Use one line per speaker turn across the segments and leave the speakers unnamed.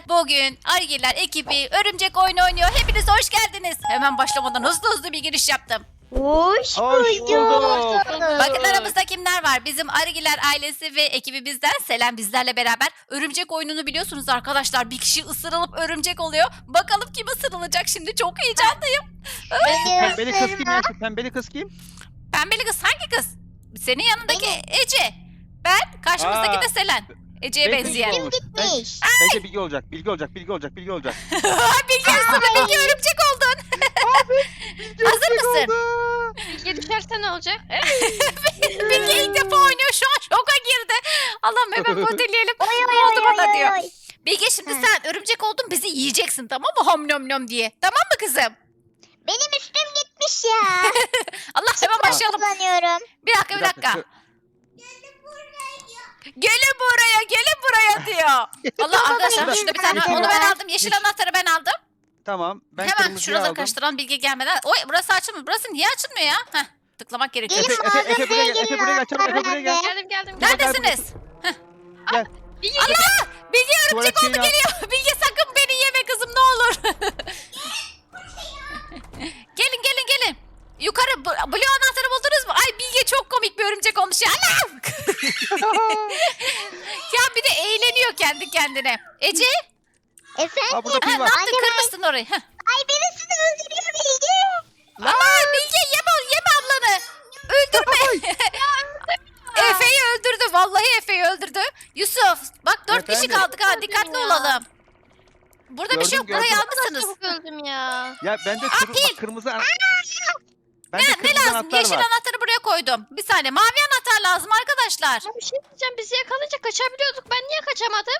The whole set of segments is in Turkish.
Bugün Argiler ekibi örümcek oyunu oynuyor. Hepiniz hoş geldiniz. Hemen başlamadan hızlı bir giriş yaptım.
Hoş
bulduk.
Bakın aramızda kimler var? Bizim Argiler ailesi ve ekibi bizden. Selen bizlerle beraber. Örümcek oyununu biliyorsunuz arkadaşlar. Bir kişi ısırılıp örümcek oluyor. Bakalım kim ısırılacak şimdi. Çok heyecanlıyım.
Pembeli kız kim ya? Şu pembeli kız kim?
Pembeli kız hangi kız? Senin yanındaki Ece. Ben karşımızdaki de Selen. Ece'ye
Belki
benzeyen.
Bilge olmuş.
Gitmiş.
Bence Bilge olacak. Bilge olacak. Bilge olacak. Bilge olacak.
Bilge üstüne Bilge örümcek oldun. Hazır mısın?
Bilge düşerse ne olacak?
Bilge ilk defa oynuyor şu an şoka girdi. Allah'ım hemen modelleyelim.
Oy oy
Oldu
oy
bana
oy
diyor.
oy.
Bilge şimdi sen örümcek oldun bizi yiyeceksin tamam mı? Hom nom nom diye. Tamam mı kızım?
Benim üstüm gitmiş ya.
Allah hemen başlayalım.
Kullanıyorum.
Bir dakika. Gelin buraya diyor. Allah arkadaşlar
Baba,
şurada bir tane var.
yeşil
Onu ben
anahtarı
aldım. Yeşil anahtarı ben aldım.
Tamam. Ben
Hemen
kırmızıyı
şuraları
aldım.
karıştıran Bilge gelmeden. Oy burası açılmıyor. Burası niye açılmıyor ya? Heh, tıklamak gerekiyor.
Gelin
Efe buraya gel. Efe buraya gel. Çabuk Efe buraya gel.
Geldim.
Neredesiniz?
Gel.
Bilge
Bilge örümcek
Tuvalet
oldu
şeyini al.
geliyor. Bilge sakın beni yeme kızım ne olur. gelin. Yukarı blue anahtarı buldunuz mu? Ay Bilge çok komik bir örümcek olmuş ya. Anam! Ya bir de eğleniyor kendi kendine. Ece
Efendim?
Aa, burada
ha,
pil
ne
var.
yaptın
Anne,
kırmışsın orayı. Heh.
Ay birisi de öldürüyor Bilge.
Aman Bilge yeme ablanı. Öldürme. Efe'yi öldürdü. Vallahi Efe'yi öldürdü. Yusuf bak 4 kişi
Efendim?
kaldık ha. Dikkatli
ya.
olalım. Burada bir şey yok.
Gördüm,
Burayı
gördüm.
almışsınız.
çabuk öldüm ya.
Ya bende
pil.
kırmızı Bende
Ne
kırmızı
lazım?
anahtar
Yeşil
var.
anahtarı buraya koydum. Bir saniye. Mavi anahtar lazım arkadaşlar.
Ya bir şey diyeceğim, bizi yakalayınca kaçabiliyorduk. Ben niye kaçamadım?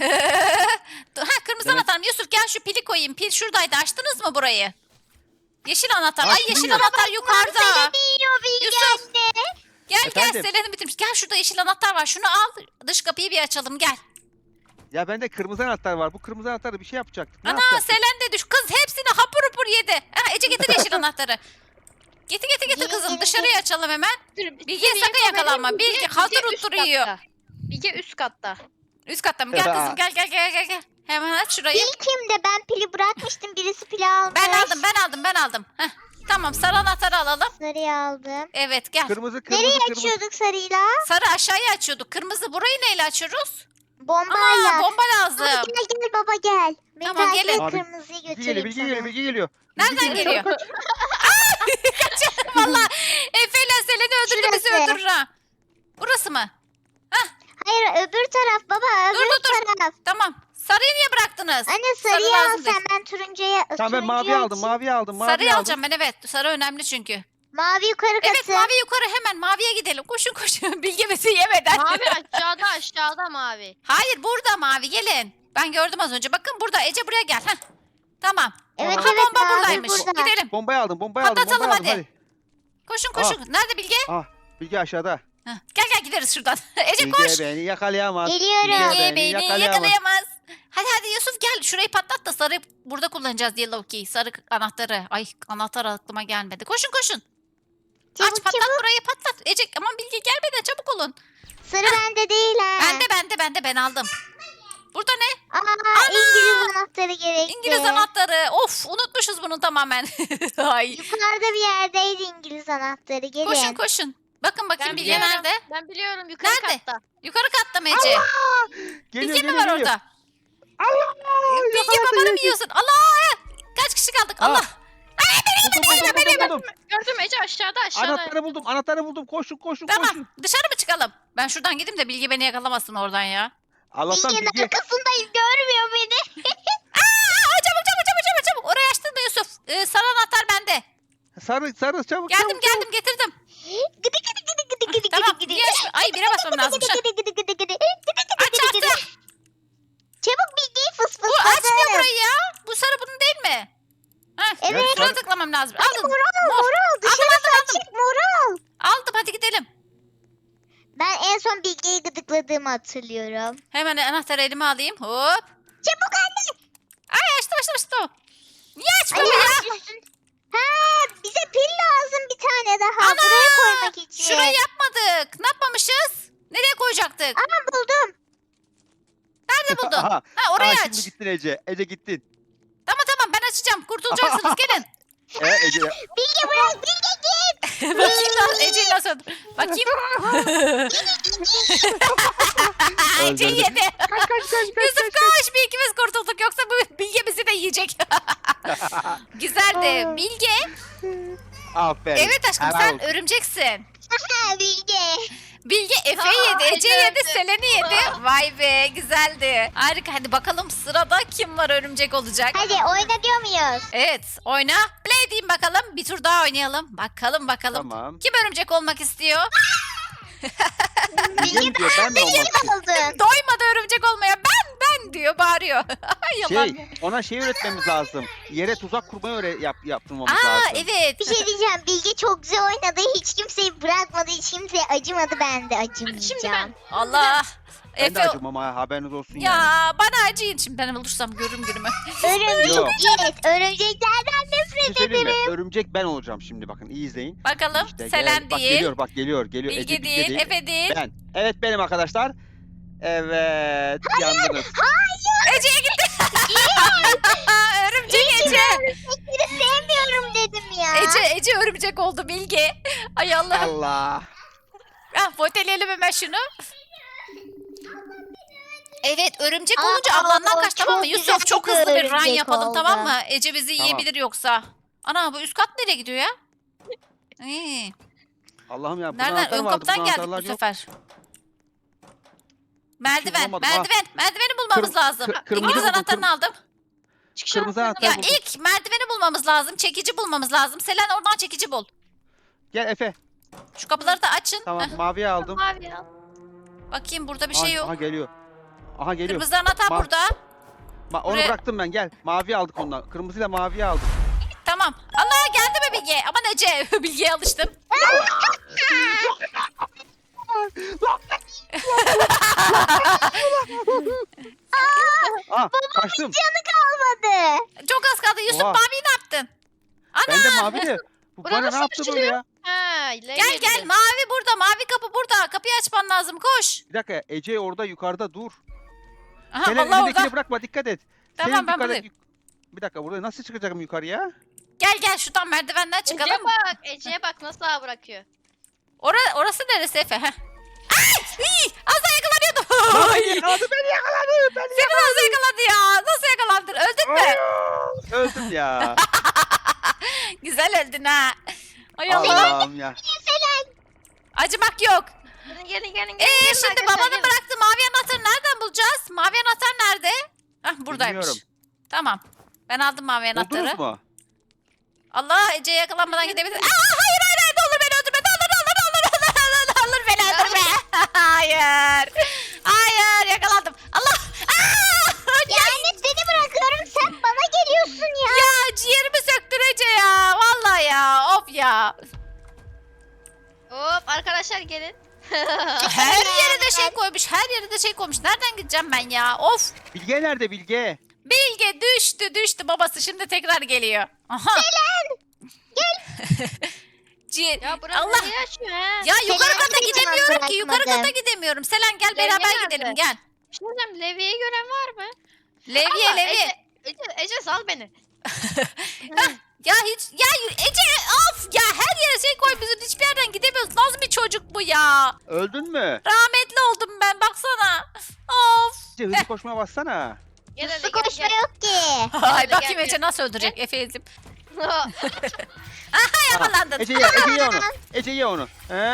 Ha kırmızı
Evet.
anahtar. Yusuf gel şu pili koyayım. Pil şuradaydı. Açtınız mı burayı? Yeşil anahtar. Ay
Açtım
yeşil
ya.
anahtar yukarıda.
Seni yiyor Bilge
Yusuf.
anne.
Gel
Efendim?
Selen'i bitirmiş. Gel şurada yeşil anahtar var. Şunu al. Dış kapıyı bir açalım gel.
Ya bende kırmızı anahtar var. Bu kırmızı anahtarı bir şey yapacaktık. Ne
Ana
yapacaktık?
Selen de düş. Kız hepsini hapur hapur yedi. Ha, Ece getir yeşil anahtarı. Getir kızım.
Gelin.
Dışarıya açalım hemen.
Dur,
Bilge sakın yakalanma. Bilge hazır
üst
oturuyor.
katta. Bilge üst katta.
Üst katta mı? Gel kızım gel. Hemen aç şurayı.
Pil kimde? Ben pili bırakmıştım. Birisi pili almış.
Ben aldım. Heh. Tamam sarı anahtarı alalım.
Sarıyı aldım.
Evet gel.
Kırmızı
Nereye
kırmızı.
açıyorduk sarıyla?
Sarı aşağıya açıyorduk. Kırmızı burayı neyle açıyoruz?
Bombayla.
Aa bomba
Baba
lazım.
gel baba gel. Beni
Tamam,
takip
gelin.
et,
Abi,
kırmızıyı
Bilge
götüreyim
geliyor. Bilge geliyor.
sana.
Bilge geliyor.
Nereden
Bilge
geliyor?
Kaç.
Valla Efe ile Selen'i öldürdü bizi
Şurası.
öldürür ha. Burası mı?
Hayır öbür taraf baba öbür
Dur.
taraf.
Tamam. Sarıyı niye bıraktınız?
Anne
Sarı
sarıyı al
lazım değil.
sen, ben turuncuya
Tamam ben mavi
turuncuyu
aldım.
açayım.
Mavi aldım.
Sarıyı
aldım.
alacağım ben evet. Sarı önemli çünkü.
Mavi yukarı katı.
Evet mavi yukarı hemen maviye gidelim. Koşun. Bilge bizi yemeden.
Mavi aşağıda mavi.
Hayır burada mavi gelin. Ben gördüm az önce. Bakın burada Ece buraya gel. Heh. Tamam.
Evet
Aha
evet
bomba
mavi
buradaymış.
burada.
Gidelim.
Bombayı aldım. Bombayı aldım.
Patlatalım
Bombayı aldım.
hadi. Koşun. Nerede Bilge?
Bilge aşağıda.
Heh. Gel gideriz şuradan. Ece
Bilge
koş.
beni yakalayamaz.
Geliyorum.
Bilge beni yakalayamaz. Hadi Yusuf gel şurayı patlat da sarı burada kullanacağız yellow key. Sarı anahtarı. Ay anahtar aklıma gelmedi. Koşun.
Çabuk
Aç patlat
çabuk.
burayı patlat. Ece aman Bilge gelmeden çabuk olun.
Sarı bende değil ha.
Bende ben aldım. Burada ne?
Aa İngiliz anahtarı gerekti.
İngiliz anahtarı. Of unutmuşuz bunu tamamen. Ay.
Yukarıda bir yerdeydi İngiliz anahtarı. Gelin.
Koşun. Bakın bakayım Bilge
biliyorum.
nerede?
Ben biliyorum yukarı
Nerede?
katta.
Yukarı katta mı Ece?
Geliyor,
Bilge mi
geliyor,
var
geliyor.
orada?
Allah!
Bilge
Yakaladı,
babanı mı
yedi.
yiyorsun? Allah! Kaç kişi kaldık?
Aa.
Allah!
Buldum.
Gördüm Ece aşağıda.
Anahtarı buldum. Koşun.
Tamam. Dışarı mı çıkalım? Ben şuradan gideyim de Bilge beni yakalamasın oradan ya.
Allah'tan
Bilge'nin
Bilge.
arkasındayız, görmüyor beni.
Aa, çabuk. Oraya açtın mı Yusuf? Sarı anahtar bende.
Sarı çabuk.
Geldim getirdim.
Gıdı gıdı gıdı gıdı gıdı
Tamam.
gıdı gıdı.
Niye ay bire basmam lazımmış. ha.
Gıdı gıdı gıdı gıdı.
Açtım.
Çabuk Bilge'yi fıs
Bu
fısladı.
açmıyor burayı ya. Bu sarı bunun değil mi? Heh,
Evet.
şuna tıklamam lazım.
Hadi
Aldım.
moral. Dışarısı açık moral.
Aldım hadi gidelim.
Ben en son Bilge'yi gıdıkladığımı hatırlıyorum.
Hemen anahtarı elime alayım. Hop.
Çabuk anne.
Ay açtım. Niye
Ay,
açmıyor ya?
Ha, bize pil lazım bir tane daha.
Ana!
Buraya koymak için.
Şurayı yapmadık. Ne yapmamışız? Nereye koyacaktık?
Ama buldum.
Nerede Nerede buldun?
Aha,
Ha orayı
aha,
aç.
şimdi gittin Ece. Ece gittin.
Tamam ben açacağım. Kurtulacaksınız gelin.
Ece.
Bilge bırak Bilge git.
Bakayım lan Ece'yi nasıl? Bakayım. Ece
Öldürdüm.
yedi. Yusuf koş bir ikimiz kurtulduk yoksa bu Bilge bizi de yiyecek. Güzeldi. Bilge.
Aferin.
Evet aşkım
Helal
sen
olsun.
örümceksin.
Ha Bilge.
Bilge Efe'yi
Aa,
yedi, Ece
Ece
yedi,
öldü.
Selen'i yedi. Vay be güzeldi. Harika hadi bakalım sırada kim var örümcek olacak.
Hadi oyna diyor muyuz?
Evet oyna. Play diyeyim bakalım. Bir tur daha oynayalım. Bakalım.
Tamam.
Kim örümcek olmak istiyor?
Bilge mi diyor? Ben mi olmak istiyorum?
Oldun.
Doymadı örümcek olmaya. Ben diyor bağırıyor. Yalan.
Ona şey öğretmemiz lazım. Yere tuzak kurmayı yaptırmamız
Aa
lazım.
evet.
Bir şey diyeceğim. Bilge çok güzel oynadı. Hiç kimseyi bırakmadı. Hiç kimseye acımadı. Ben de
Şimdi
acımayacağım.
ben.
Allah.
Ben de
Efe.
acımam ha, haberiniz olsun
Ya
yani.
bana acıyın şimdi ben olursam görürüm günümü.
Örümcek.
Yok.
Evet. Örümceklerden
Bir
nefret
şey söyleyeyim mi?
ederim.
Örümcek ben olacağım şimdi, bakın iyi izleyin.
Bakalım
İşte
Selen
bak
değil.
geliyor.
Bilge
Ece
değil, Efe değil.
Ben. Evet benim arkadaşlar. Evet. Yandınız.
Ece'ye gitti. Örümcek Ece.
Örümcekleri sevmiyorum dedim ya.
Ece örümcek oldu Bilge. Ay Allah'ım.
Allah.
Ah, foteleyelim hemen şunu. Evet örümcek
Aa,
olunca ablandan
o
kaç tamam mı?
çok
Yusuf
güzel
çok
bir
hızlı bir run
örümcek
yapalım
oldu.
tamam mı? Ece bizi
Tamam.
yiyebilir yoksa. Ana bu üst kat nereye gidiyor ya? İyi.
Allah'ım ya.
Nereden? Ön kapıdan geldik bu sefer. Merdiven,
bulamadım, ha.
merdiveni bulmamız lazım.
kırmızı
İngiliz
buldum,
anahtarını aldım.
Çıkış
Kırmızı
anahtarı
anahtar
Ya
buldum.
ilk merdiveni bulmamız lazım, çekici bulmamız lazım. Selen oradan çekici bul.
Gel Efe.
Şu kapıları da açın.
Tamam
Heh,
maviye aldım.
Mavi ya.
bakayım burada bir
Aha,
şey yok.
Aha geliyor. Aha geliyor.
Kırmızı anahtar
Ma-
burada.
Onu
buraya-
bıraktım ben, gel. Mavi aldık ondan. Kırmızıyla maviyi aldım.
Tamam. Allah geldi mi Bilge? Aman Ece. Bilge'ye alıştım.
Aa kaçtım.
Canı kalmadı.
Çok az kaldı. Yusuf
Oha.
maviyi ne yaptın? Ana.
Ben de mavi de. Bu
Buranın
bana ne
nasıl
yaptı böyle ya?
Ha,
Gel mavi burada. Mavi kapı burada. Kapıyı açman lazım. Koş.
Bir dakika, Ece orada yukarıda dur.
Aha
Senin
Allah
elindekini
orada.
bırakma, dikkat et.
Tamam,
Senin
ben
yukarı-
buradayım.
Bir dakika, burada nasıl çıkacağım yukarıya?
Gel şuradan merdivenden çıkalım.
Ece'ye bak nasıl ağa bırakıyor.
Orası neresi Efe? Heh. Ay! Az daha yakalanıyordum. Ay!
Yakaladı beni, yakaladı beni.
Seni nasıl yakaladı ya? Nasıl yakalandın? Öldün mü?
Öldüm ya.
Güzel öldün ha. Ay Allah.
Allah'ım ya.
Acımak yok.
Gelin.
Şimdi
arkadaşlar,
babanın
gelin.
bıraktığı mavi anahtarı nereden bulacağız? Mavi anahtar nerede? Hah buradaymış.
Bilmiyorum.
Tamam. Ben aldım mavi anahtarı.
Buldunuz mu?
Allah Ece'ye yakalanmadan gidebilir. Hayır ne olur beni öldürme. Ne olur beni öldürme. Hayır yakalandım. Allah.
Yani seni bırakıyorum. Sen bana geliyorsun ya.
Ya ciğerimi söktün Ece ya. Vallahi ya. Of ya.
Hop arkadaşlar gelin.
Her yere de şey koymuş. Her yere de şey koymuş. Nereden gideceğim ben ya? Of.
Bilge nerede, Bilge?
Bilge düştü babası şimdi tekrar geliyor. Aha. Ciğer.
Ya burası
Allah.
niye açıyor ha?
Ya yukarı
Selen
kata
hiçbir zaman
gidemiyorum ki. Yukarı kata
bırakmadım.
gidemiyorum. Selen gel
Levye
beraber
nerede?
gidelim gel.
Bir şey diyeceğim, Levi'yi gören var mı?
Levye
Allah,
Levye.
Ece sal beni.
Ya Ece of ya her yere şey koy bizim hiçbir yerden gidemiyoruz. Nasıl bir çocuk bu ya?
Öldün mü?
Rahmetli oldum ben baksana. Of.
Ece hızlı koşmaya bassana.
Gel
Su
hadi
koşma
gel.
yok ki.
Ay
Hadi
bakayım
gel,
Ece nasıl öldürecek Efe ezim.
Ha,
Yakalandın.
Ece ye onu. Ece ye onu.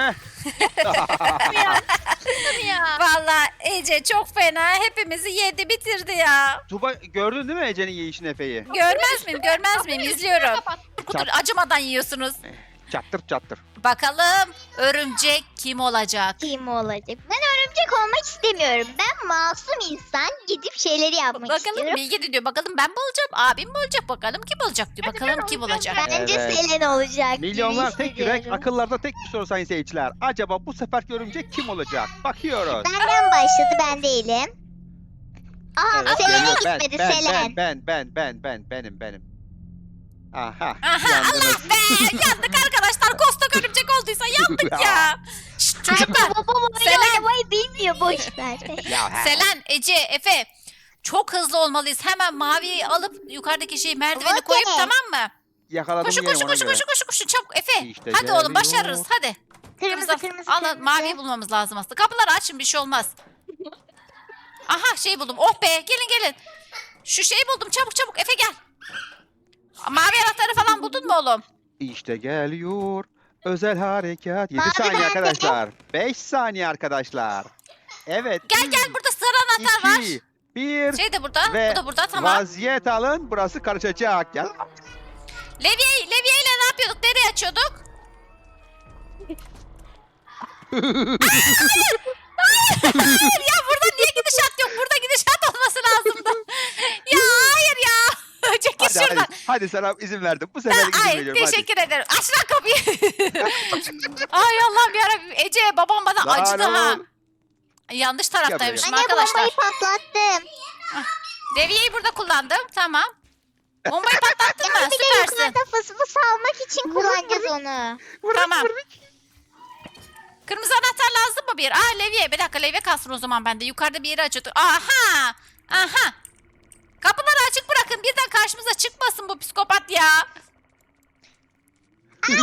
ya.
Vallahi Ece çok fena hepimizi yedi bitirdi ya.
Tuba gördün değil mi Ece'nin yiyişini, Efe'yi?
Görmez miyim izliyorum.
Kapat.
Kudur acımadan yiyorsunuz.
Çattır.
Bakalım örümcek kim olacak?
Kim olacak? Ben örümcek olmak istemiyorum. Ben masum insan gidip şeyleri yapmak
Bakalım
istiyorum.
Bilge de diyor bakalım ben mi olacağım abim mi olacak bakalım kim olacak diyor
Hadi
bakalım
ben
kim
olacağım
olacak.
Bence
Evet.
Selen olacak gibi
Milyonlar tek yürek,
hissediyorum.
akıllarda tek bir soru sayın seyirciler. Acaba bu seferki örümcek kim olacak? Bakıyoruz.
Benden başladı, ben değilim. Aha
Evet,
Selen'e
geliyor.
gitmedi Selen.
Benim. Aha.
Aha
yandınız.
Allah be yandık arkadaşlar kostok örümcek olduysa yandık ya. Şşt, çocuklar
Babam oyun
Selen.
oynamayı bilmiyor, boş ver.
Ya, he.
Selen, Ece, Efe Çok hızlı olmalıyız. Hemen maviyi alıp yukarıdaki şeyi merdiveni
Okey.
koyup tamam mı?
Yakaladım
Koşun
yerim
koşun
ona
koşun
göre.
koşun koşun koşun çabuk Efe.
İşte
Hadi oğlum
geliyor.
başarırız hadi.
Kırmızı kırmızı
Alın
kırmızı.
maviyi bulmamız lazım aslında. Kapıları açın bir şey olmaz. Aha şey buldum. Oh be gelin gelin. Şu şeyi buldum çabuk çabuk Efe gel. Mavi anahtarı falan buldun mu oğlum?
İşte geliyor. Özel harekat. 7
Mavi
saniye
nerede?
arkadaşlar. 5 saniye arkadaşlar. Evet.
Gel gel burada sarı anahtar var.
2, 1
Şey de burada.
ve
Bu da burada tamam.
vaziyet alın. Burası karışacak. Gel.
Levye ile ne yapıyorduk? Nereye açıyorduk? Hayır ya burada niye gidişat yok? Burada gidişat olması lazımdı. Ya hayır ya. Çekil
Hadi
şuradan.
hadi sana izin verdim. Bu sefer izin
Ay
veriyorum. Hadi.
teşekkür ederim. Aç lan kapıyı. Ay Allah'ım yarabbim. Ece babam bana
Lan
acıdı ha.
oğlum.
Yanlış taraftaymışım
Anne
arkadaşlar.
bombayı patlattım.
Devyeyi burada kullandım. Tamam. Bombayı patlattın mı?
Bir de
Süpersin.
yukarıda fıs fıs almak için kullanacağız onu.
Tamam. Kırmızı anahtar lazım mı bir? Levye. Bir dakika levye kalsın o zaman bende. Yukarıda bir yeri açıyorduk. Aha. Aha. Kapıları açık bırakın. Birden karşımıza çıkmasın bu psikopat ya.
Baba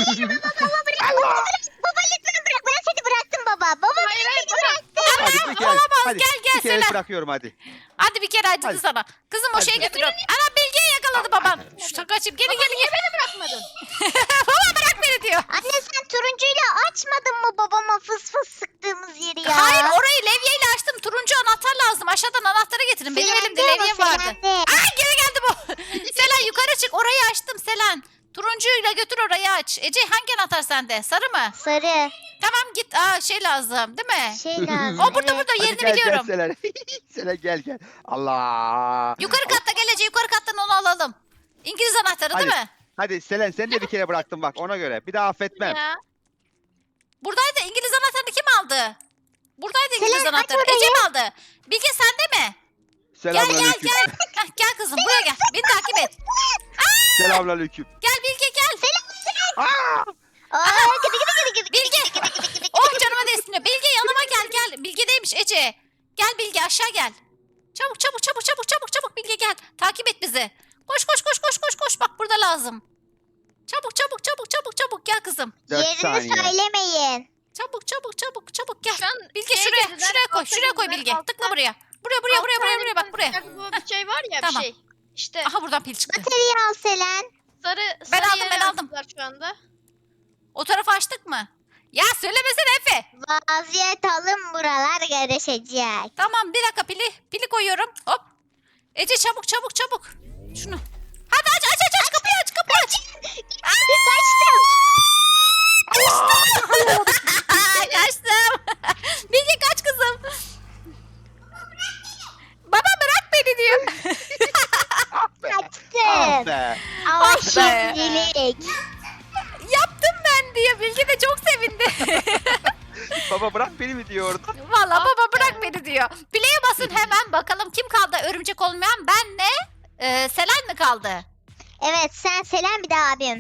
lütfen bırak. Ben seni bıraktım baba. Baba ben seni bıraktım.
Hadi bir kere.
Olamaz.
Hadi.
Gel gel
Bir kere
Selen.
bırakıyorum hadi.
Hadi bir kere acıdı
Hadi.
sana. Kızım o
Hadi.
şeye götürüyorum. Ana Bilge'yi yakaladı babam. Şu takacım. Gelin gelin gelin.
Beni bırakmadın.
Baba bırak beni diyor.
Anne sen turuncuyla açmadın mı babama fıs fıs sıktığımız yeri ya?
Hayır orayı levyeyle açtım. Turuncu anahtar lazım. Aşağıdan anahtarı getirin. Benim elimde
Selendi
levye
ama,
vardı.
selendi.
Ay geri geldi bu. Selen yukarı çık. Orayı açtım Selen. Turuncuyla götür orayı aç. Ece hangi anahtar sende? Sarı mı?
Sarı.
Tamam git. Şey lazım değil mi?
Şey lazım.
O burada
evet.
burada
Hadi
yerini
gel
biliyorum.
gel Selen. Selen gel gel. Allah.
Yukarı katta gelece yukarı kattan onu alalım. İngiliz anahtarı değil
Hadi.
mi?
Hadi Selen seni de bir kere bıraktım bak ona göre. Bir daha affetmem.
Ya.
Buradaydı. İngiliz anahtarını kim aldı? Buradaydı İngiliz
Selen, aç
anahtarı.
orayı.
Ece mi aldı? Bilge sende mi? Gel gel
Selamünaleyküm.
gel. Heh, gel kızım buraya gel. Beni takip et.
Selamünaleyküm.
Gel Bilge gel.
Aa!
Gıdı gıdı gıdı gıdı
Bilge.
gıdı gıdı gıdı gıdı.
Oh canıma değsin. Bilge yanıma gel gel. Bilge'deymiş Ece. Gel Bilge aşağı gel. Çabuk çabuk çabuk çabuk çabuk çabuk Bilge gel. Takip et bizi. Koş koş koş koş koş koş. Bak burada lazım. Çabuk çabuk çabuk çabuk çabuk gel kızım.
4
Yerini
saniye.
söylemeyin.
Çabuk çabuk çabuk çabuk gel.
Şu an
Bilge
şeye
şuraya
girdiler,
şuraya koy.
altta
Şuraya koy
girdiler,
Bilge.
altta.
Tıkla buraya. Buraya bak buraya.
Bu bir şey var ya
Tamam.
bir şey. İşte
Aha buradan pil çıktı.
Bataryayı al Selen.
sarı
Ben
sarı
aldım,
yere
ben aldım.
yazdılar şu anda.
O tarafı açtık mı? Ya söylemesene Efe.
Vaziyet alın buralar karışacak.
Tamam bir dakika pili koyuyorum. Hop. Ece çabuk çabuk çabuk. Şunu. Hadi aç kapıyı aç kapıyı aç.
Kaçtım.
Kaçtım. Bilge kaç kızım. Baba bırak beni diyor.
Ah be. Ah
Kaçtım.
be.
Ama
Ah be.
şimdilik.
Yaptım ben diye Bilge de çok sevindi.
Baba bırak beni mi diyordu?
Valla baba bırak beni diyor. Play'e basın hemen bakalım kim kaldı örümcek olmayan benle Selen mi kaldı?
Evet sen Selen bir de abim.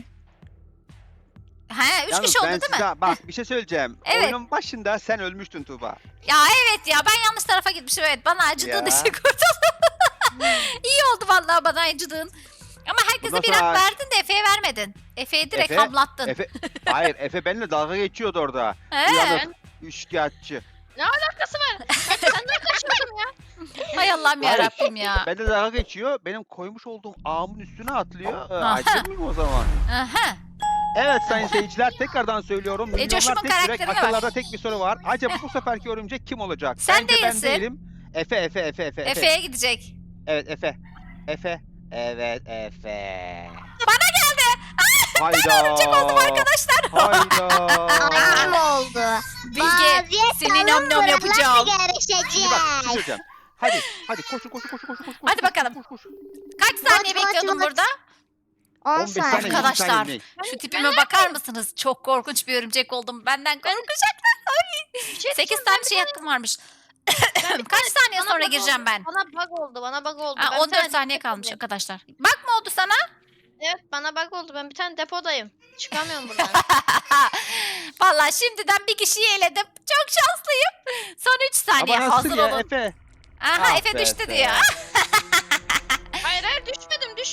He 3
Yalnız
kişi oldu
ben
değil mi?
size- Bak bir şey söyleyeceğim.
Evet.
Oyunun başında sen ölmüştün Tuğba.
Ya evet ya ben yanlış tarafa gitmişim evet bana acıdığın
Ya.
için kurtuldum. İyi oldu vallahi bana acıdığın. Ama herkese
Bundan
bir
sonra-
hak verdin de Efe'ye vermedin. Efe'yi direkt
Efe-
hamlattın.
Hayır Efe benimle dalga geçiyordu orada.
He.
Uyanık, üçkağıtçı.
Ne alakası var? Senden kaçıyordum ya.
Hay Allah'ım
Hayır.
yarabbim ya.
Ben de dalga geçiyor. Benim koymuş olduğum ağımın üstüne atlıyor.
Aha.
Acı mıyım o zaman?
Aha.
Evet sayın seyirciler tekrardan söylüyorum.
Coşkun'un
Milyonlar tek yürek,
karakterine bak.
akıllarda tek bir soru var. Acaba bu seferki örümcek kim olacak?
Sen
Bence
değilsin.
ben değilim. Efe.
Efe'ye gidecek.
Evet Efe. Efe. Evet Efe.
Bana geldi.
Hayda.
Örümcek oldum arkadaşlar.
Hayda.
Annem oldu.
Bilge
Vaziyet
seni
alın
nom nom
buralar
yapacağım.
Şimdi bak bir şey
karışacak.
söyleyeceğim. Hadi koşun.
Hadi bakalım.
Koş.
Kaç saniye
Vot, vot,
bekliyordun
vot.
burada?
10
15 saniye,
saniye.
20
Arkadaşlar
saniye
şu tipime bakar mısınız? Çok korkunç bir örümcek oldum. Benden korkacaklar.
Bir şey
8
diyeceğim,
tane şey hakkım varmış. Kaç saniye
bana
sonra
bug
gireceğim
oldu.
ben?
Bana bug oldu.
Ha,
Ben bir
14
tane
saniye kalmış
depodayım.
arkadaşlar. Bak mı oldu sana?
Evet bana bug oldu. Ben bir tane depodayım. Çıkamıyorum buradan.
Vallahi şimdiden bir kişiyi eledim. Çok şanslıyım. Son 3 saniye
Ama nasıl
hazır
ya
olun.
Efe?
Aha
Ah
Efe
be
düştü
Efe.
diyor.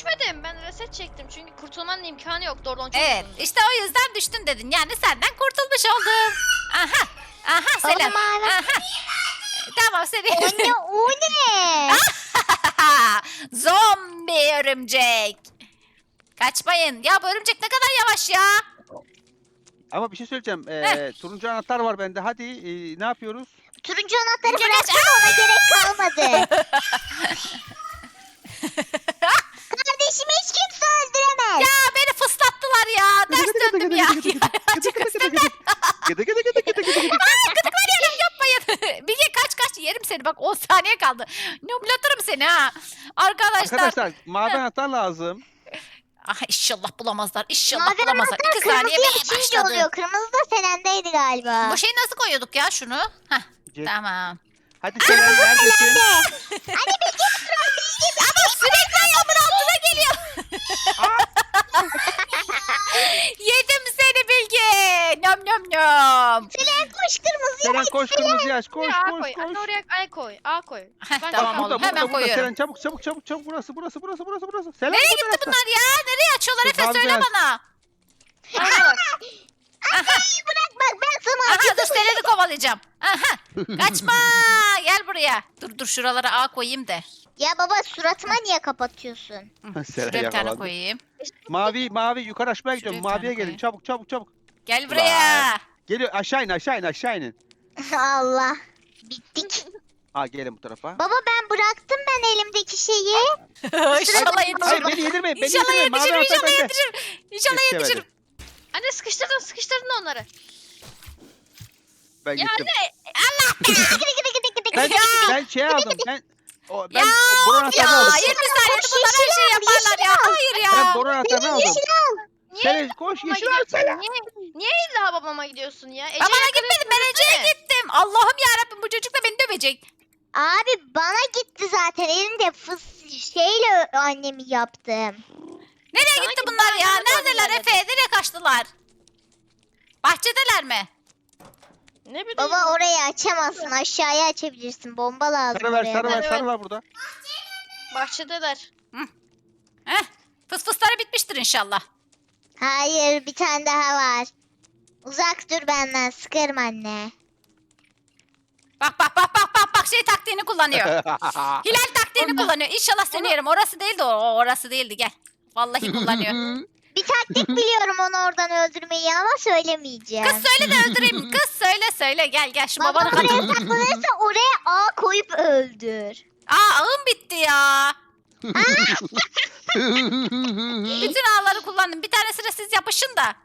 düşmedim. Ben reset çektim çünkü kurtulmanın imkanı yoktu oradan çok
Evet
uzundu.
işte o yüzden düştün dedin. Yani senden kurtulmuş oldum. Aha. Aha Selen.
Oğlum abi.
Aha. Tamam seni.
O ne o ne?
Zombi örümcek. Kaçmayın. Ya bu örümcek ne kadar yavaş ya.
Ama bir şey söyleyeceğim. Turuncu anahtar var bende. Hadi ne yapıyoruz?
Turuncu anahtarı
Gel,
bıraktın ona gerek kalmadı. Kardeşimi hiç kimse öldüremez.
Ya beni fıslattılar ya. Ters döndüm ya. Çok ısırdım.
Gıdı gıdı gıdı gıdı gıdı gıdı.
Gıdıklar yerim yapmayın. Bilge kaç yerim seni. Bak 10 saniye kaldı. Nublatırım seni ha. Arkadaşlar.
Arkadaşlar mavi anahtar lazım.
Ah inşallah bulamazlar. İnşallah
Mavi
bulamazlar.
anahtar
2 saniye
kırmızı
bile
açınca
başladı.
oluyor. Kırmızı da Selen'deydi galiba.
Bu şeyi nasıl koyuyorduk ya şunu? Heh,
Gel.
tamam.
Hadi Selen neredesin?
Ama sürekli ayağımın altına geliyor. Yedim seni Bilge. Nom nom nom.
Selen koş kırmızıya.
Selen koş kırmızıyı aç. Koş
A
koş
koy.
koş.
Anne oraya A koy. A koy.
Heh,
Ben
tamam
çıkamam.
oğlum, hemen koyuyorum.
Selen çabuk çabuk çabuk çabuk burası. Selen
Nereye
bu
gitti
tarafta.
bunlar ya? Nereye açıyorlar
Dur,
Efe
bazı
söyle
biraz-
bana.
Oraya bak.
Bırak bak ben sana
Aha dur Selen'i kovalayacağım. Aha kaçma gel buraya. Dur şuralara A koyayım da.
Ya baba suratıma niye kapatıyorsun?
Selen
Şuraya bir tane
yakalandı.
koyayım.
Mavi yukarı açmaya gidiyorum.
Şuraya bir
Maviye
tane
gelin
koyayım.
çabuk.
Gel buraya.
Geliyor aşağı inin.
Allah. Bittik.
Ha gelin bu tarafa.
Baba ben bıraktım ben elimdeki şeyi.
İnşallah
Hayır
yetişirim.
beni yedirmeyin.
İnşallah yetişirim.
Mavi anahtar
İnşallah
bende.
yetişirim. İnşallah
Yetişemedi.
yetişirim.
Anne sıkıştırdın onları.
Ben
Ya
gittim.
Gıdı gıdı.
Ben şey aldım. Ben
Ya
boru
of
anahtarını
ya.
aldım.
20 saniyede bunlar her şeyi yaparlar ya. Hayır
Ben
ya.
boru anahtarını aldım.
Yeşil al.
Niye
Selen koş
babama
yeşil al Selen.
gidiyorsun? Niye illa babama gidiyorsun ya? Ece'ye
Babana
yakın
gitmedim ben
gitsene.
Ece'ye gittim. Allah'ım yarabbim bu çocuk da beni dövecek.
Abi bana gitti zaten elimde şeyle annemi yaptım.
Nereye
Sana
gitti
git,
bunlar ya?
bana da
Neredeler
böyle
Efe? Nereye kaçtılar? Bahçedeler mi?
Ne bileyim.
Baba orayı açamazsın aşağıya açabilirsin. Bomba lazım
Sarı ver
oraya.
sarı ver
Evet.
sarı var burada.
Bahçedeler.
Heh. Fısfısları bitmiştir inşallah.
Hayır bir tane daha var. Uzak dur benden sıkarım anne.
Bak şey taktiğini kullanıyor. Hilal taktiğini kullanıyor. İnşallah seni yerim. Orası değildi o. Orası değildi gel. Vallahi kullanıyor.
Bir taktik biliyorum onu oradan öldürmeyi ama söylemeyeceğim.
Kız söyle de öldüreyim. Kız söyle gel şu
Baba
babanı
oraya
kaçır.
saklanırsa oraya ağ koyup öldür.
Ağım bitti ya. Bütün ağları kullandım. Bir tanesine siz yapışın da.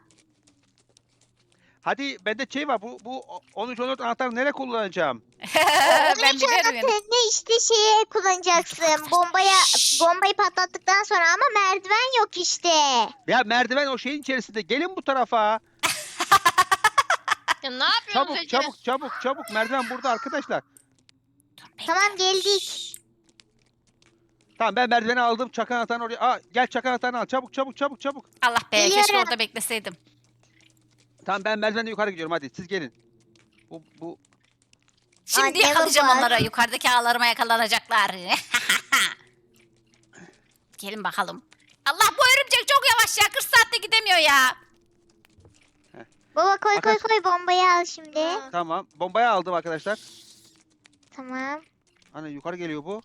Hadi bende şey var. Bu 13-14 anahtarı nereye kullanacağım?
Ben biliyorum yani.
Ne işte şeye kullanacaksın. Bombayı patlattıktan sonra ama merdiven yok işte.
Ya merdiven o şeyin içerisinde. Gelin bu tarafa.
Ya ne yapıyorsun
Çabuk. Merdiven burada arkadaşlar.
Tamam geldik.
Tamam ben merdiveni aldım. Çakan anahtarını oraya. Gel çakan anahtarını al. Çabuk.
Allah be keşke
Geliyorum.
orada bekleseydim.
Tamam ben merdivenle yukarı gidiyorum. Hadi siz gelin. Bu
Şimdi
Anne
yakalayacağım
baba.
onlara. Yukarıdaki ağlarıma yakalanacaklar. Gelin bakalım. Allah bu örümcek çok yavaş ya. 40 saatte gidemiyor ya.
Baba koy bombayı al şimdi.
Ha.
tamam. Bombayı aldım arkadaşlar.
Tamam.
Hani yukarı geliyor bu.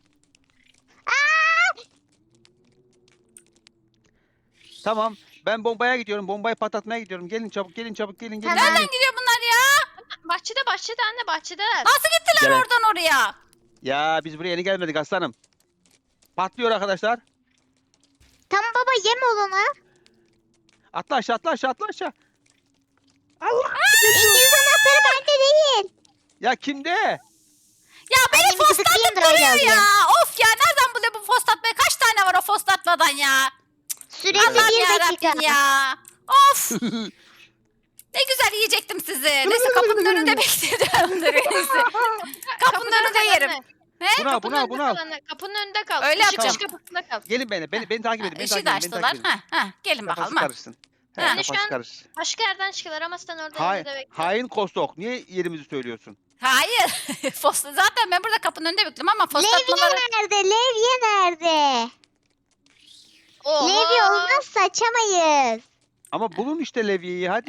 Tamam. Ben bombaya gidiyorum. Bombayı patlatmaya gidiyorum. Gelin çabuk. Gelin.
Tamam.
Nereden gidiyor bunlar ya?
Bahçede anne bahçedeler.
Nasıl gittiler
Gel.
oradan oraya?
Ya biz buraya yeni gelmedik aslanım. Patlıyor arkadaşlar.
Tamam baba yem olana.
Atla aşağı. Allah.
İngiliz anahtarı bende değil.
Ya kimde?
Ya beni
Annemi
foslatlıp
gıdıklayayım da öyle
duruyor ya.
alayım.
Of ya nereden buluyor bu foslatmayı? Kaç tane var o foslatmadan ya?
Süresi
Allah'ım
1 dakika.
yarabbim ya. Of. Ne güzel yiyecektim sizi. Neyse kapının önünde bekleyeceğim. Neyse. Kapının önünde yerim. He?
Buna al.
Kapının önünde kal.
Öyle
Işık
yapacağım.
kapısında kal.
Gelin beni takip edin.
Işığı da açtılar. Ha, gelin
Kafası
bakalım. Ha.
karışsın. He,
Ha.
kafası
Şu an-
karışsın.
Başka yerden çıkıyorlar ama sen orada
Hain,
önünde bekle.
hain kostok. Niye yerimizi söylüyorsun?
Hayır. Zaten ben burada kapının önünde bekliyorum ama
Levye
foslatmaları...
nerede? Levye nerede?
Oha.
Levye olmazsa açamayız.
Ama bulun işte levyeyi hadi.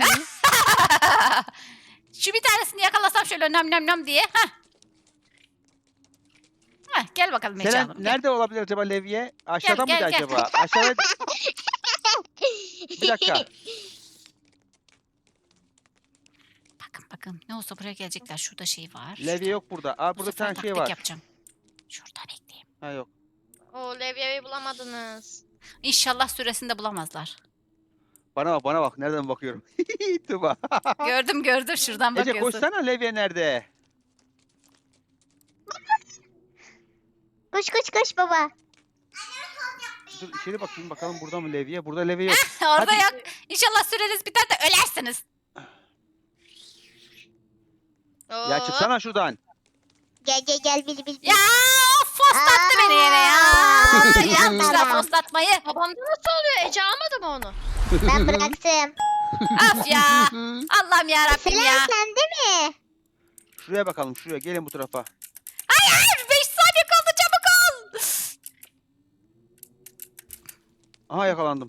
Şu bir tanesini yakalasam şöyle nöm nöm nöm diye. Hah. Hah, gel bakalım Ece
Selen
Hanım. Gel.
nerede olabilir acaba levye? Aşağıda
Gel,
mıydı
gel.
acaba? Aşağıda. Bir dakika.
Bakın ne olsa buraya gelecekler. Şurada şey var.
Levye yok burada. Aa
Bu
burada bir
sefer
tane şey
taktik
var.
yapacağım. Şurada bekleyeyim.
Ha yok.
O levyeyi bulamadınız.
İnşallah süresinde bulamazlar.
Bana bak. Nereden bakıyorum? Tuba.
Gördüm şuradan
Ece
bakıyorsun.
koşsana levye nerede?
Koş baba.
Dur içeri bakayım bakalım burada mı levye? Burada levye yok.
Orada
Hadi.
yok. İnşallah süreniz biter de ölersiniz.
Ya
Oo.
çıksana şuradan.
Gel bil.
Ya fostlattı beni yine ya. Yapmışlar fostlatmayı.
Babamda nasıl oluyor? Ece almadı mı onu?
Ben bıraktım.
Of ya. Allah'ım ya Rabbim
Selen
ya.
sende mi?
Şuraya bakalım şuraya. Gelin bu tarafa.
Hayır 5 saniye kaldı çabuk ol.
Aha yakalandım.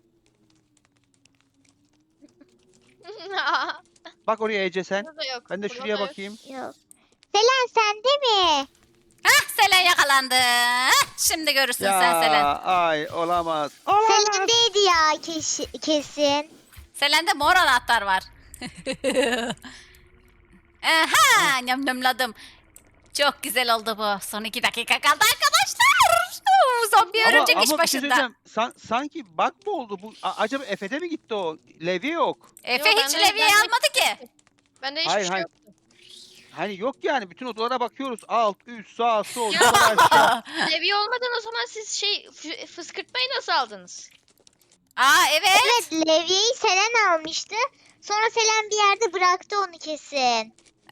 Bak oraya Ece sen.
Burada yok.
Ben de
burada
şuraya
yok.
bakayım.
Yok. Selen sende mi?
Hah Selen yakalandı. Hah, şimdi görürsün sen Selen.
Ay olamaz. Olamaz.
Selen'deydi ya kesin.
Selen'de mor anahtar var. Aha nömladım. Çok güzel oldu bu. Son 2 dakika kaldı arkadaşlar. Zombi örümcek iş
bir şey
başında.
söyleyeceğim. Sanki bug mı oldu bu? Acaba Efe'de mi gitti o? Levye yok.
Efe
Yo,
hiç
ben de-
levyeyi
ben de-
almadı ki.
Bende hiçbir
Hayır,
şey
hayır.
yok.
Hani yok yani bütün odalara bakıyoruz. Alt, üst, sağ, sol,
Ya.
yukarı aşağı.
Levye olmadan o zaman siz fıskırtmayı nasıl aldınız?
Aa evet.
Evet Levye'yi Selen almıştı. Sonra Selen bir yerde bıraktı onu kesin.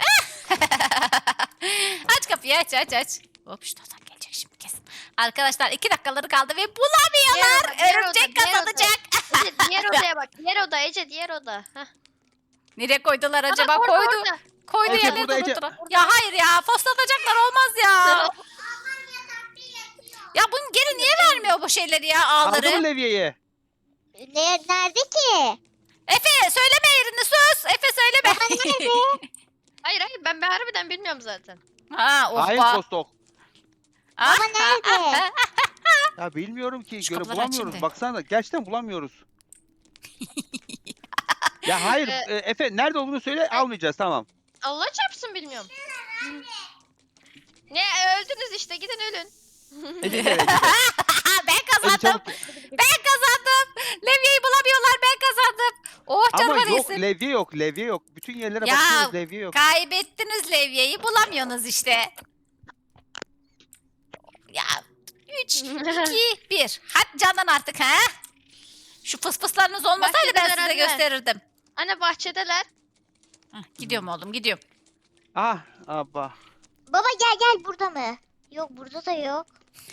Aç kapıyı aç. Hop şuradan gelecek şimdi kesin. Arkadaşlar 2 dakikaları kaldı ve bulamıyorlar.
Diğer oda,
Örümcek
diğer oda.
kazanacak.
Ece diğer odaya bak. Diğer oda Ece diğer oda. Heh.
Nereye koydular acaba?
Aa, orada,
Koydu.
orada.
Koydu
Ece,
yerleri
burada Ece.
unuttular. Ya hayır ya foslatacaklar olmaz ya. Ya bunun geri niye vermiyor bu şeyleri ya
Aldı mı
ağları?
levyeyi?
Nerede ki?
Efe söyleme yerini sus. Efe söyleme.
Baba nerede?
Hayır ben harbiden bilmiyorum zaten.
Ha of
Hayır
ba.
Kostok.
Ah,
Baba nerede?
Ya bilmiyorum ki.
Şu
Göre
kapıları aç
bulamıyoruz.
şimdi.
Baksana gerçekten bulamıyoruz. Ya hayır Efe nerede olduğunu söyle almayacağız tamam.
Allah çarpsın bilmiyorum. Ne öldünüz işte gidin ölün.
Ece gel Ece.
ben
Ece
kazandım.
çabuk.
Ben kazandım. Levyeyi bulamıyorlar ben kazandım. Oh
Ama
canıma
yok
değsin.
levye yok. Bütün yerlere
Ya,
bakıyoruz levye yok.
Kaybettiniz levyeyi bulamıyorsunuz işte. Ya 3, 2, 1. Hadi candan artık ha. Şu fısfıslarınız olmasaydı ben
Bahçedeler
size
anne.
gösterirdim.
Anne bahçedeler.
Hah, gidiyorum oğlum gidiyorum.
Ah abba.
Baba gel burada mı? Yok burada da yok.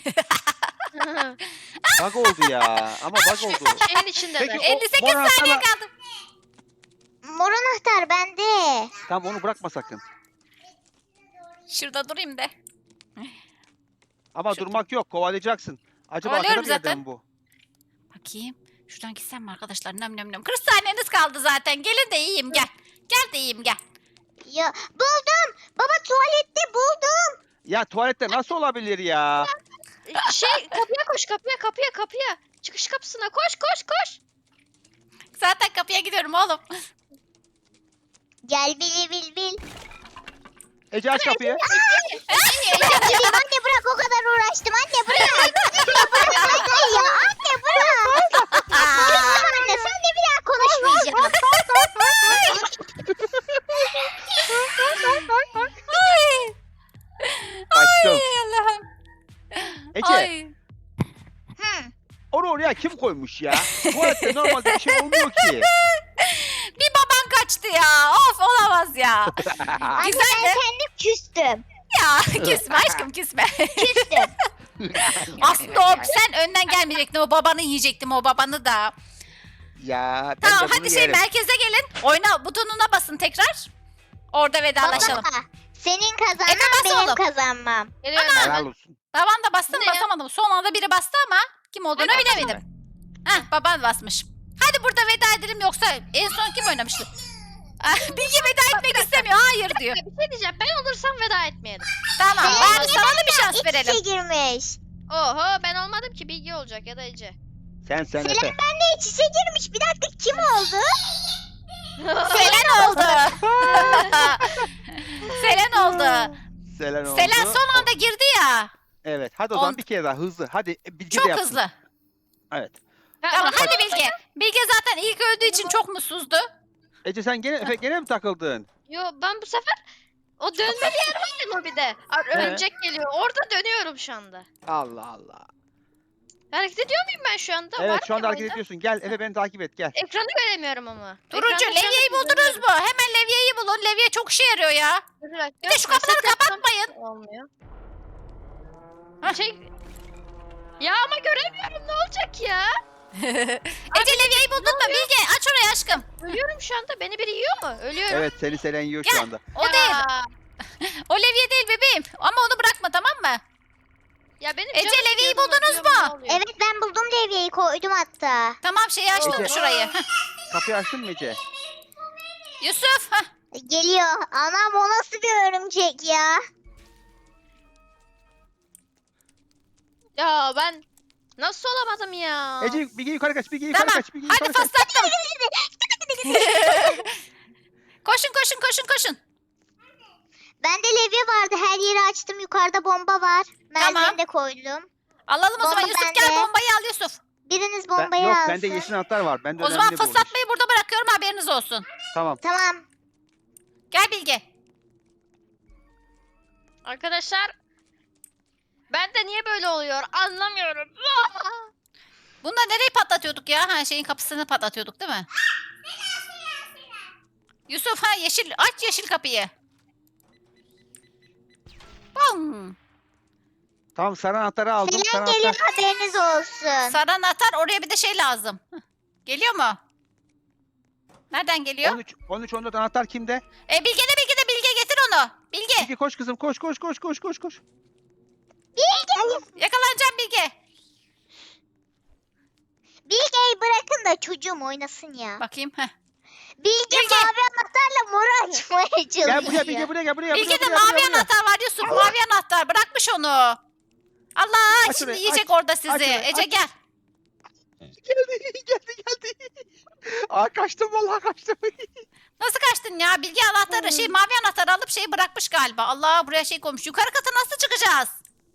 Bug oldu ya. Ama bug oldu.
Şeyin içindeler.
Peki,
58
mor
saniye
anahtarla-
kaldı.
Mor anahtar bende.
Tamam onu bırakma sakın.
Şurada durayım da.
Ama
Şurada.
durmak yok. Kovalayacaksın. Acaba
Kovalıyorum
arkada bir yerden
zaten.
mi bu?
Bakayım. Şuradan gitsem mi arkadaşlar? Nöm nöm nöm. 40 saniyeniz kaldı zaten. Gelin de yiyeyim gel. Gel de yiyeyim gel.
Ya buldum. Baba tuvalette buldum.
Ya tuvalette nasıl olabilir ya?
Kapıya koş kapıya. Çıkış kapısına koş.
Zaten kapıya gidiyorum oğlum.
Gel bil.
Ece aç kapıyı.
Gideyim anne bırak o kadar uğraştım. Anne bırak. Anne bırak anne ya. Anne bırak. Tamam anne sen de bir daha konuşmayacağım.
Ay,
Açtım.
ay Allah'ım.
Ece
Ay.
Hı.
onu oraya kim koymuş ya? Tuvalette normalde bir şey olmuyor ki.
Bir baban kaçtı ya. Of olamaz ya.
Anne
Güzel
ben
de.
kendim küstüm.
Ya küsme aşkım küsme.
Küstüm.
Aslında o sen önden gelmeyecektin. O babanı yiyecektim o babanı da.
Ya ben
Tamam
de bunu
hadi şey
yerim.
merkeze gelin. Oyna butonuna basın tekrar. Orada vedalaşalım.
Baba senin kazanman
Efe bas
benim
oğlum.
kazanmam.
Geliyorum
Helal
hemen.
olsun.
Baban da bastı mı
Ne ya?
basamadım. Son anda biri bastı ama kim olduğunu
Ben
bilemedim. Heh, baban basmış. Hadi burada veda edelim yoksa en son kim oynamıştı? Ah, Bilge veda etmek istemiyor. Hayır diyor.
Bir şey diyeceğim. Ben olursam veda etmeyelim.
Tamam bari sana da bir şans
İç
verelim.
içe girmiş.
Oho ben olmadım ki Bilge olacak ya da Ece.
Sen
Selen
Efe.
benle iç içe girmiş. Bir dakika kim oldu?
Selen oldu. Selen oldu.
Selen oldu.
Selen son anda girdi ya.
Evet. Hadi o zaman
On-
bir kere daha hızlı. Hadi Bilge de
Çok
yapsın.
hızlı.
Evet.
Tamam hadi Bilge. Bilge zaten ilk öldüğü için çok mutsuzdu.
Ece sen Efe gene mi takıldın?
Yo ben bu sefer o dönmeli yer var ya lobide. Örümcek geliyor. Orada dönüyorum şu anda.
Allah Allah.
Hareket ediyor muyum ben şu anda?
Evet
Var
şu anda
mıyım
hareket
oyunda?
ediyorsun. Gel Efe beni takip et gel.
Ekranı göremiyorum ama.
Turuncu
Ekranda şu
levyeyi
anda
buldunuz
göremiyorum.
mu? Hemen levyeyi bulun. Levye çok işe yarıyor ya.
Bir dakika,
Bir de şu kapıları
reset yapsam
kapatmayın.
Olmuyor.
Hah.
Şey... Ya ama göremiyorum ne olacak ya?
Ece levyeyi buldun mu? Bilge aç orayı aşkım.
Ölüyorum şu anda. Beni biri yiyor mu? Ölüyorum.
Evet seni Selen yiyor
Gel.
şu anda.
O
Ya.
değil. O levye değil bebeğim. Ama onu bırakma tamam mı?
Ya benim
Ece,
canım
levyeyi
sıkıldı,
buldunuz
ölüyorum,
mu?
ne oluyor?
Evet ben buldum devyeyi koydum hatta.
Tamam şeyi açtın
Ece.
şurayı. Heh.
Kapıyı açtın mı Ece?
Yusuf. Heh.
Geliyor. Anam o nasıl bir örümcek ya?
Ya ben nasıl olamadım ya?
Ece Bilge yukarı kaç. Bilge yukarı
Tamam.
kaç. Bilge
Hadi
yukarı kaç.
fıslattım. Koşun koşun koşun koşun.
Bende levye vardı. Her yeri açtım. Yukarıda bomba var.
Tamam.
Merdiveni de koydum.
Alalım o zaman
Bomba
Yusuf
bende.
gel bombayı al Yusuf.
Biriniz
Ben,
bombayı
yok
alsın.
bende yeşil anahtar var. Bende
O zaman
önemli bulmuş.
fıslatmayı burada bırakıyorum haberiniz olsun.
Tamam.
Tamam.
Gel Bilge.
Arkadaşlar ben de niye böyle oluyor anlamıyorum.
Bunda nereyi patlatıyorduk ya? Ha şeyin kapısını patlatıyorduk değil mi? Yusuf ha yeşil aç yeşil kapıyı. Bum.
Tamam sarı anahtarı aldım. Sarı
Selen
anahtar.
geliyor haberiniz olsun.
Sarı anahtar oraya bir de şey lazım. Hıh. Geliyor mu? Nereden geliyor?
13 14 anahtar kimde?
Bilge de Bilge getir onu. Bilge
Bilge koş kızım koş koş koş koş koş koş.
yakalanacağım Bilge.
Bilge'yi bırakın da çocuğum oynasın ya.
Bakayım. Heh.
Bilge
Bilge.
mavi anahtarla moru açmaya çalışıyor.
Gel buraya Bilge buraya gel buraya.
Bilge'de
buraya,
mavi
buraya.
anahtar var Yusuf. Mavi anahtar bırakmış onu. Allah
Aç
şimdi
orayı,
yiyecek orada sizi.
orayı,
Ece
aç.
gel.
Geldi. Aa kaçtım vallahi kaçtım.
Nasıl kaçtın ya? Bilge anahtarı şey mavi anahtarı alıp şeyi bırakmış galiba. Allah buraya şey koymuş. Yukarı kata nasıl çıkacağız?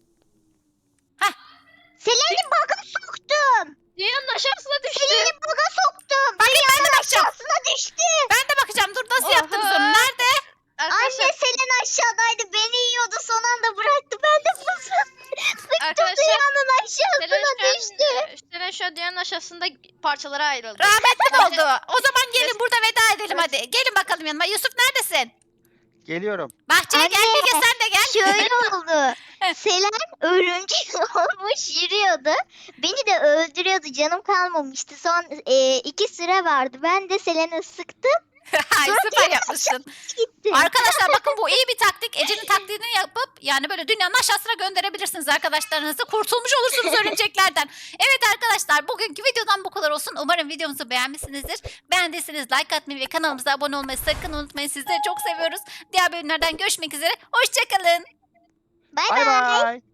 Selen'i bug'a soktum.
Dünyanın aşağısına düştü.
Selen'i bug'a soktum.
Bakayım ben de bakacağım.
Aşağısına düştü.
Ben de bakacağım. Dur nasıl
Oha.
yaptınız onu? Nerede?
Arkadaşlar,
Anne Selen aşağıdaydı. Beni yiyordu. Son anda bıraktı. Ben de fısıldım.
Arkadaşlar,
Dünyanın
Selen
aşağısına düştü.
Selen şu an dünyanın aşağısında parçalara ayrıldı.
Rahmetli oldu. O zaman gelin burada veda edelim hadi. Gelin bakalım yanıma. Yusuf neredesin?
Geliyorum.
Bahçeye gel
Anne.
Bilge sen de gel.
Şöyle oldu. Selen örümcek olmuş yürüyordu. Beni de öldürüyordu. Canım kalmamıştı. Son 2 süre vardı. Ben de Selen'i sıktım.
Ay, süper yapmışsın.
Gitti.
Arkadaşlar bakın bu iyi bir taktik. Ece'nin taktiğini yapıp yani böyle dünyanın aşağısına gönderebilirsiniz arkadaşlarınızı. Kurtulmuş olursunuz örümceklerden. Evet arkadaşlar bugünkü videodan bu kadar olsun. Umarım videomuzu beğenmişsinizdir. Beğendiyseniz like atmayı ve kanalımıza abone olmayı sakın unutmayın. Sizleri çok seviyoruz. Diğer bölümlerden görüşmek üzere. Hoşçakalın.
Bay
Bay
bay.
bay.